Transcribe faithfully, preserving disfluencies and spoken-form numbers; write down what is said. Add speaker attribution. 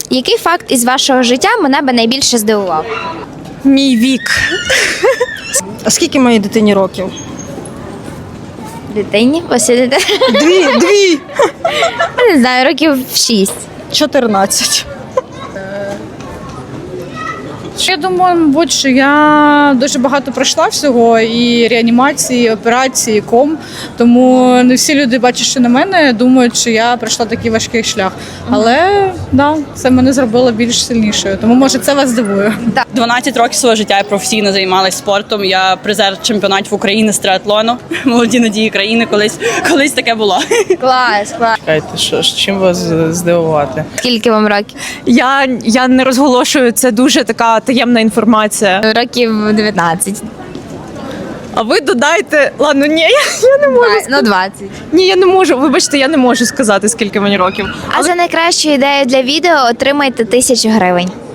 Speaker 1: Який факт із вашого життя мене би найбільше здивував?
Speaker 2: Мій вік.
Speaker 3: А скільки моїй дитині років?
Speaker 1: Дитині? Посидите?
Speaker 3: Дві, дві!
Speaker 1: Я не знаю, років шість.
Speaker 3: чотирнадцять.
Speaker 4: Я думаю, мабуть, що я дуже багато пройшла всього, і реанімації, і операції, і ком. Тому не всі люди, бачачи на мене, думають, що я пройшла такий важкий шлях. Але да, це мене зробило більш сильнішою. Тому, може, це вас здивує.
Speaker 5: дванадцять років свого життя я професійно займалася спортом. Я призер чемпіонатів України з триатлону. Молоді надії країни. Колись, колись таке було.
Speaker 1: Клас, клас.
Speaker 6: Чекайте, що ж, чим вас здивувати?
Speaker 1: Скільки вам років?
Speaker 2: Я, я не розголошую, це дуже така таємна інформація.
Speaker 1: Років дев'ятнадцять.
Speaker 2: А ви додайте. Ладно, ні, я, я не можу.
Speaker 1: Ну, двадцять.
Speaker 2: Ні, я не можу. Вибачте, я не можу сказати, скільки мені років.
Speaker 1: А за найкращу ідею для відео отримайте тисячу гривень.